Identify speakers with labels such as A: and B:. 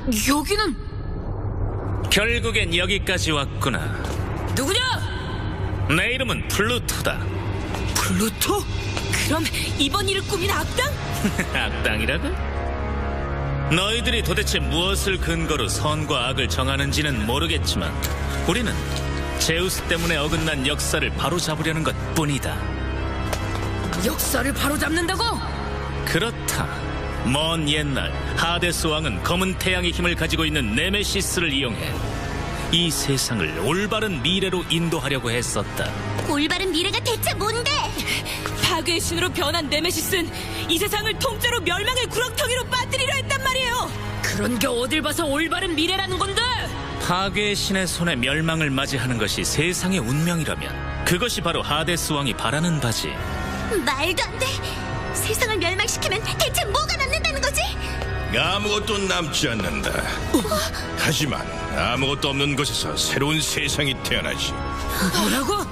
A: 여기는
B: 결국엔 여기까지 왔구나.
A: 누구냐?
B: 내 이름은 플루토다.
A: 플루토? 그럼 이번 일을 꾸민 악당?
B: 악당이라고? 너희들이 도대체 무엇을 근거로 선과 악을 정하는지는 모르겠지만 우리는 제우스 때문에 어긋난 역사를 바로잡으려는 것뿐이다.
A: 역사를 바로잡는다고?
B: 그렇다. 먼 옛날 하데스 왕은 검은 태양의 힘을 가지고 있는 네메시스를 이용해 이 세상을 올바른 미래로 인도하려고 했었다.
C: 올바른 미래가 대체 뭔데?
A: 파괴의 신으로 변한 네메시스는 이 세상을 통째로 멸망의 구렁텅이로 빠뜨리려 했단 말이에요. 그런 게 어딜 봐서 올바른 미래라는 건데?
B: 파괴의 신의 손에 멸망을 맞이하는 것이 세상의 운명이라면 그것이 바로 하데스 왕이 바라는 바지.
C: 말도 안 돼. 세상을 멸망시키면 대체 뭐가 남는다는 거지?
D: 아무것도 남지 않는다. 하지만 아무것도 없는 곳에서 새로운 세상이 태어나지.
A: 뭐라고?